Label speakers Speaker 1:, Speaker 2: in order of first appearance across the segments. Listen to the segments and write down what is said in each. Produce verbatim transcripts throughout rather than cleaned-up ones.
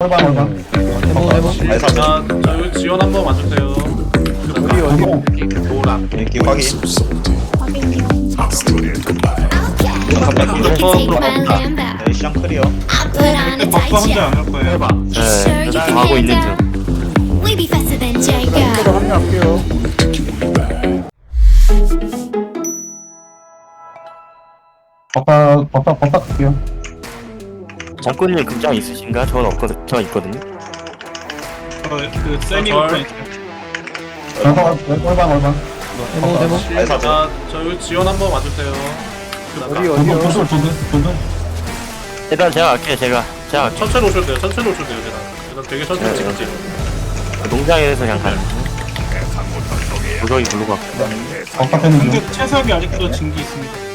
Speaker 1: 혈방 혈방.
Speaker 2: 해보 해보.
Speaker 3: 알사
Speaker 4: 자, 자 여기 지원 한번 와주세요.
Speaker 1: 우리 어디?
Speaker 4: 노랑.
Speaker 3: 이렇게 확인.
Speaker 5: 확인이요.
Speaker 3: 네, 시장 클리어.
Speaker 6: 버프 혼자 안 올 거예요.
Speaker 4: 해봐.
Speaker 2: 네, 저 하고 있는 중.
Speaker 5: We be faster than
Speaker 1: 힐러로
Speaker 5: Jacob.
Speaker 1: 합류할게요. 법사 법사 법사 갈게요.
Speaker 2: 정권님 극장 있으신가? 저는 없거든. 저 있거든요.
Speaker 6: 저그 세미
Speaker 4: 절.
Speaker 6: 오픈 있어요.
Speaker 1: 혈방 혈방 혈방.
Speaker 2: 해보 해보.
Speaker 3: 알사
Speaker 4: 자, 자 여기 지원 한번 와주세요.
Speaker 1: 어디 어디요? 조들 조들 조들.
Speaker 2: 일단 제가 갈게요. 제가 제가 갈게요.
Speaker 4: 천천히 오셔도 돼요. 천천히 오셔도 돼요. 제가. 일단 되게 천천히
Speaker 2: 네,
Speaker 4: 찍었지.
Speaker 2: 농장에서 그냥 가요. 무적이 블루가 없고.
Speaker 1: 법사 패는 중.
Speaker 6: 근데 채석이 아직도 진기 있습니다.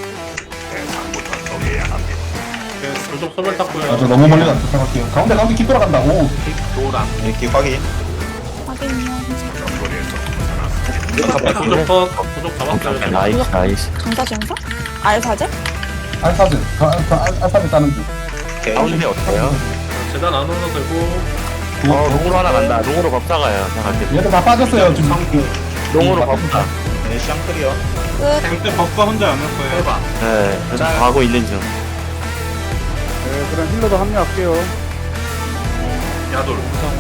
Speaker 4: 네, 불독 소멸
Speaker 1: 아, 저
Speaker 4: 탔고요.
Speaker 1: 너무 멀리 안 생각할게요. 가운데 가운데 깊 돌아간다고.
Speaker 4: 노랑.
Speaker 3: 이렇게 확인.
Speaker 5: 확인이요.
Speaker 4: 부족 컷. 부족 잡았어요.
Speaker 2: 나이스 나이스.
Speaker 5: 전사 전사? 알사제?
Speaker 1: 알사즈. 저 알사즈 따는 중.
Speaker 3: 오케이.
Speaker 2: 가운데 어때요?
Speaker 4: 재단 안 오셔도 되고.
Speaker 2: 어 롱으로 하나 간다. 롱으로 법사 가요. 제가 갈게요.
Speaker 1: 얘들 다 빠졌어요 지금.
Speaker 2: 롱으로 법사.
Speaker 3: 네, 시장 클리어.
Speaker 5: 끝.
Speaker 6: 근데 버프가 혼자 안 올 거예요.
Speaker 4: 해봐.
Speaker 2: 네, 그래서 가고 있는 중.
Speaker 1: 네, 그럼 힐러도 합류할게요.
Speaker 4: 야돌.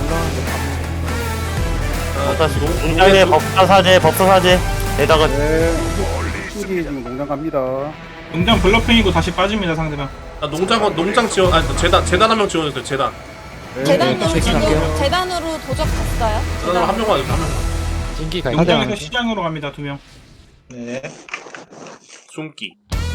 Speaker 2: 법사 시- 농장에 법사 사제, 법사 사제. 에다가
Speaker 1: 네. 힐이 지금 공장 갑니다.
Speaker 6: 농장 블러핑이고 다시 빠집니다 상대방.
Speaker 4: 아, 농장 농장 지원 아니 재단 재단 한 명 지원했어요. 재단.
Speaker 5: 재단으로
Speaker 2: 네,
Speaker 5: 지금
Speaker 2: 체킹할게요.
Speaker 5: 재단으로 도적했어요.
Speaker 4: 재단 한 명만 해주세요. 한 명만.
Speaker 6: 농장에서 시장으로 갑니다 두 명.
Speaker 3: 네.
Speaker 4: 숨기.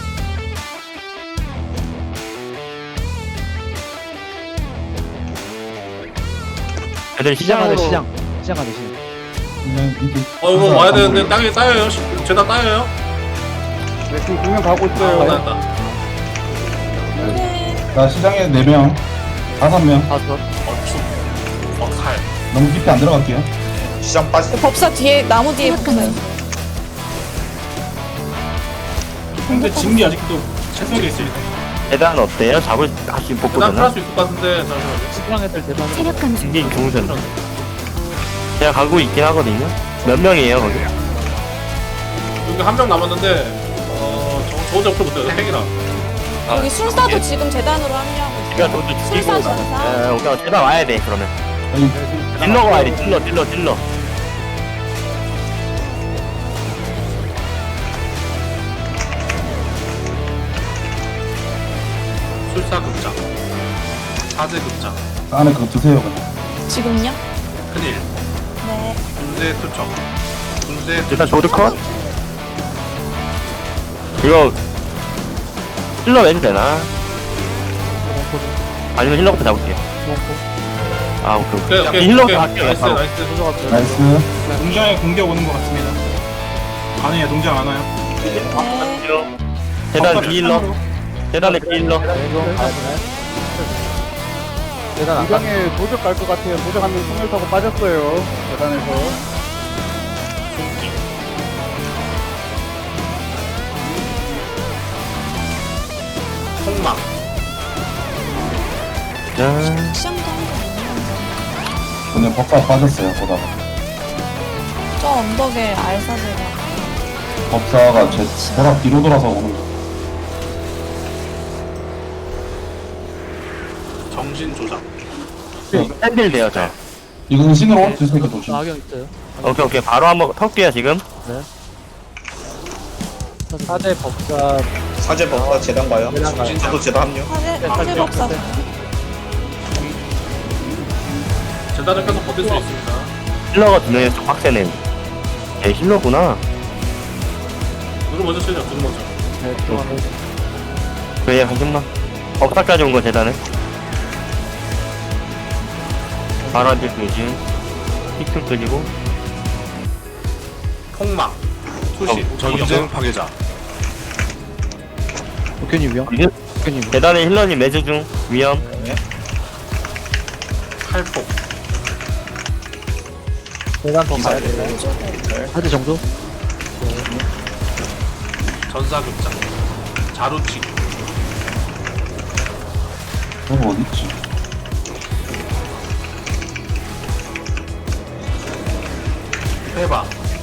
Speaker 2: 애들 시장으로 시장.
Speaker 1: 네, 이제.
Speaker 4: 어 이거 와야 되는데 땅에 따여요. 시- 재단 따여요.
Speaker 1: 네, 지금 두명 가고
Speaker 4: 아,
Speaker 1: 있어요.
Speaker 4: 맞다.
Speaker 5: 네.
Speaker 1: 자, 시장에 네 명, 다섯 명.
Speaker 2: 다섯.
Speaker 4: 어축. 어칼.
Speaker 1: 너무 깊이 안 들어갈게요.
Speaker 3: 시장 빠지.
Speaker 5: 법사 뒤에 나무 뒤에 붙어요.
Speaker 6: 근데 진기 아직도 채석이 있어요.
Speaker 2: 대단 어때요? 잡을 다시
Speaker 4: 재단
Speaker 2: 복구되나?
Speaker 4: 풀할 수 있을 것 같은데 잠시만요.
Speaker 5: 체력 감소.
Speaker 2: 이게 좋으셨네. 제가 가고 있긴 하거든요. 몇 명이에요 거기?
Speaker 4: 여기 한 명 남았는데 어저 저 혼자 풀 못해요. 팽이라.
Speaker 5: 여기 술사도 지금 재단으로 합류하고 있어요.
Speaker 2: 그러니까 저도 죽이고.
Speaker 5: 술사 전사.
Speaker 2: 네, 오케이. 대단 와야 돼 그러면.
Speaker 1: 여기
Speaker 2: 딜러가 와야 돼. 딜러, 딜러, 딜러.
Speaker 4: 술사 극장. 사제 극장.
Speaker 1: 안에 그거 드세요, 그냥.
Speaker 5: 지금요?
Speaker 4: 큰일.
Speaker 5: 네.
Speaker 4: 군대 투척. 군대
Speaker 2: 일단 조드 컷. 이거 힐러 왠 되나? 아니면 힐러부터 잡을게요. 아 오케이
Speaker 4: 오케이
Speaker 2: 오케이.
Speaker 4: 오케이.
Speaker 2: 힐러부터
Speaker 4: 오케이.
Speaker 2: 갈게요.
Speaker 4: 나이스
Speaker 2: 바로.
Speaker 4: 나이스.
Speaker 1: 나이스.
Speaker 6: 농장에 공격 오는 것 같습니다. 아니에요 농장 안 와요.
Speaker 5: 네.
Speaker 2: 대단
Speaker 6: 버프가
Speaker 2: 힐러.
Speaker 6: 시장으로.
Speaker 2: 대단의 힐러.
Speaker 1: 시장에 도적 갈 것 같아요. 도적 한 명 소멸 타고 빠졌어요. 계단에서.
Speaker 4: 숨기. 폭망.
Speaker 2: 짠.
Speaker 5: 시장도 한거 아니에요?
Speaker 1: 근데 법사 빠졌어요, 보다가.
Speaker 5: 저 언덕에 알사제가.
Speaker 1: 법사가 제 보라 뒤로 돌아서 오는 거.
Speaker 4: 정신 조작.
Speaker 2: 샌딜 돼요 저.
Speaker 1: 이거 은신으로 드시니까 조심.
Speaker 2: 오케이 오케이 바로 한번 털게요 지금.
Speaker 3: 사제 법사 재단 가요. 저도 재단 합류.
Speaker 5: 화재, 화재 법사.
Speaker 4: 재단을 계속 버틸 수 있습니다.
Speaker 2: 힐러가 두 명이 좀 빡세네. 얘 힐러구나.
Speaker 4: 누구 먼저 쓰죠? 누구 먼저?
Speaker 2: 그래 한 점만. 억사까지 온 거 대단해. 바로 한줄 조심. 픽좀 끄지고.
Speaker 4: 폭망. 투시. 전쟁 파괴자.
Speaker 2: 대단의 힐러님 매주 중 위험.
Speaker 4: 칼폭.
Speaker 2: 하드 정도?
Speaker 4: 전사극장. 자루치기.
Speaker 1: 저거 어딨지?
Speaker 4: 해봐.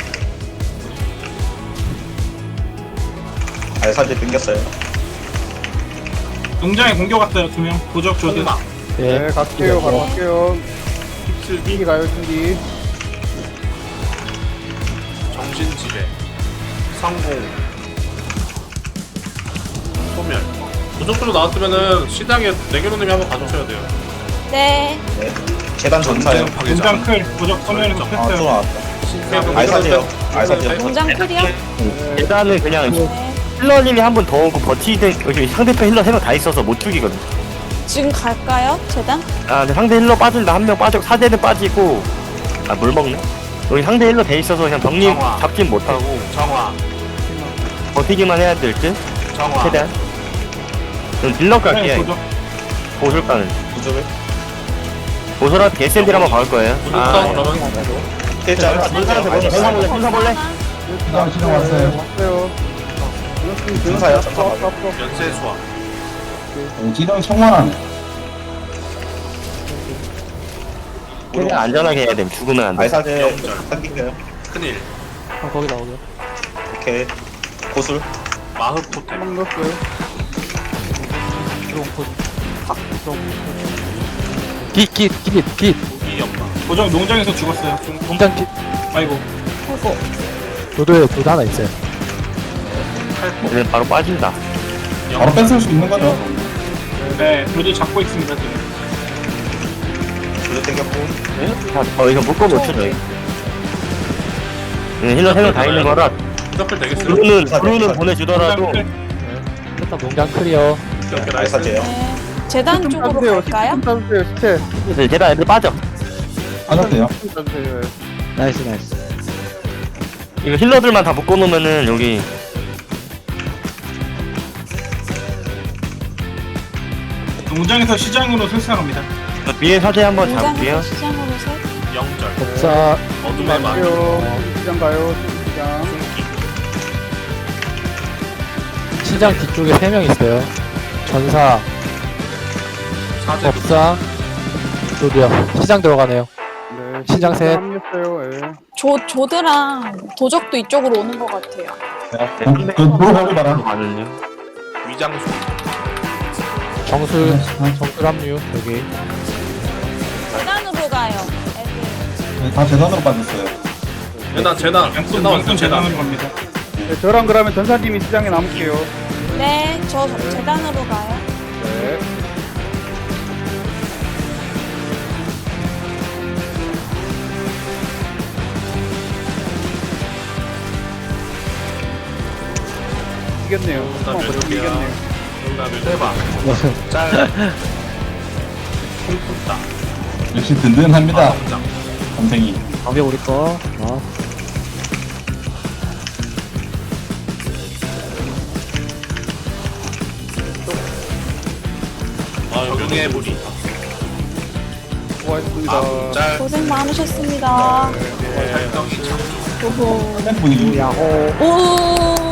Speaker 3: 알사제 땡겼어요.
Speaker 6: 농장에 공격 왔어요. 두 명. 도적 조드.
Speaker 4: 폭막.
Speaker 1: 네, 갈게요. 바로 갈게요. 신기 가요, 신기.
Speaker 4: 정신지배. 성공. 소멸. 도적으로 나왔으면은 시장에 내겨놓님이 한번 가주셔야 돼요.
Speaker 5: 네.
Speaker 3: 네. 재단 전사요.
Speaker 6: 농장 클. 도적 서면에서
Speaker 3: 아, 또
Speaker 6: 뺐어요.
Speaker 3: 나왔다.
Speaker 4: 신기하게
Speaker 3: 알사제요. 알사제요.
Speaker 5: 농장 클이요?
Speaker 2: 일단은 그냥
Speaker 5: 네.
Speaker 2: 힐러님이 한 번 더 오고 버티든 여기 상대편 힐러 세 명 다 있어서 못 죽이거든.
Speaker 5: 지금 갈까요? 재단?
Speaker 2: 아 근데 상대 힐러 빠진다 한 명 빠지고 사제는 빠지고 아 물 먹네. 여기 상대 힐러 돼 있어서 그냥 병님
Speaker 4: 정화.
Speaker 2: 잡진 못하고
Speaker 4: 정화.
Speaker 2: 버티기만 해야 될 듯.
Speaker 4: 정화.
Speaker 2: 최대한. 그럼 딜러
Speaker 6: 네,
Speaker 2: 갈게요.
Speaker 6: 도적.
Speaker 2: 보술 가는.
Speaker 3: 구조를.
Speaker 2: 보술한테 개샌딜 한번 박을 거예요.
Speaker 4: 무조건 그러면
Speaker 3: 필자.
Speaker 2: 전사 볼래? 전사 볼래? 전사 볼래?
Speaker 1: 시장, 시장 왔어요. 왔어요.
Speaker 3: 전사요. 전사
Speaker 1: 앞으로,
Speaker 3: 맞아.
Speaker 1: 앞으로.
Speaker 4: 연쇄 수화.
Speaker 7: 지령 청만하네.
Speaker 2: 최대한 안전하게 해야 돼. 죽으면 안 돼.
Speaker 3: 알사제
Speaker 4: 영절.
Speaker 3: 땡길게요.
Speaker 4: 큰일.
Speaker 1: 거기 나오게.
Speaker 3: 오케이. 고술.
Speaker 4: 마흡 토템.
Speaker 1: 한방 넣었어요. 드론 포. 아, 드론 깃, 깃, 깃, 깃.
Speaker 4: 무기 연마.
Speaker 6: 도적 농장에서 죽었어요. 좀-
Speaker 1: 공장 깃.
Speaker 6: 아이고.
Speaker 1: 도도에 도도 하나 있어요.
Speaker 4: 칼포.
Speaker 2: 얘는 바로 빠진다.
Speaker 7: 바로 뺏을 수 있는 거죠.
Speaker 6: 네, 도적 잡고 있습니다. 지금.
Speaker 3: 구조 땡겼고.
Speaker 2: 어 이거 묶어 놓죠 저희. 네, 힐러 세 명 다 있는 거라
Speaker 4: 무적들 되겠어요.
Speaker 2: 브루는 브루는 보내주더라도
Speaker 6: 농장 클.
Speaker 1: 일단 농장 클리어.
Speaker 4: 이렇게 나이스.
Speaker 3: 알사제요.
Speaker 5: 네. 재단 쪽으로 갈까요?
Speaker 1: 좀 따주세요, 시체.
Speaker 2: 이제 제가 애들 빠져.
Speaker 7: 하셨대요.
Speaker 1: 좀 따주세요. 나이스, 나이스.
Speaker 2: 이거 힐러들만 다 묶어 놓으면은 여기
Speaker 6: 농장에서 시장으로 설상합니다.
Speaker 2: 위에 사제 한번 잡을게요.
Speaker 5: 농장에서 시장으로 세.
Speaker 4: 영절.
Speaker 1: 복사.
Speaker 4: 어둠의 막.
Speaker 1: 갈게요. 시장 가요, 시장.
Speaker 8: 시장 뒤쪽에 세 명 있어요. 전사,
Speaker 4: 사제.
Speaker 8: 법사, 조디요. 시장 들어가네요.
Speaker 1: 네,
Speaker 8: 시장 셋.
Speaker 1: 합류했어요, 예.
Speaker 5: 조, 조드랑 도적도 이쪽으로 오는 것 같아요.
Speaker 7: 그 물어보기 바라.
Speaker 2: 가는요.
Speaker 4: 위장수.
Speaker 8: 정술, 정술 합류, 여기.
Speaker 5: 재단으로 가요. 애들.
Speaker 7: 네, 다 재단으로 빠졌어요.
Speaker 4: 재단 재단.
Speaker 6: 양손
Speaker 4: 재단 왔어요.
Speaker 6: 양손
Speaker 4: 재단.
Speaker 6: 재단으로 갑니다.
Speaker 1: 네, 저랑 그러면 전사님이 시장에 남을게요.
Speaker 5: 네, 저 재단으로 가요.
Speaker 1: 네. 이겼네요.
Speaker 4: 나
Speaker 1: 한번 버티고
Speaker 4: 몇 개야?
Speaker 1: 이겼네요.
Speaker 4: 정답을 해봐. 짤. 콩쿠따.
Speaker 7: 역시 든든합니다.
Speaker 4: 성장.
Speaker 7: 감생이.
Speaker 8: 방벽 우리 거. 어.
Speaker 4: 아 용의 무리.
Speaker 1: 수고하셨습니다.
Speaker 4: 아, 짤.
Speaker 5: 고생 많으셨습니다.
Speaker 4: 살덩이 창조.
Speaker 5: 오호.
Speaker 7: 분위기.
Speaker 1: 야호.
Speaker 5: 오.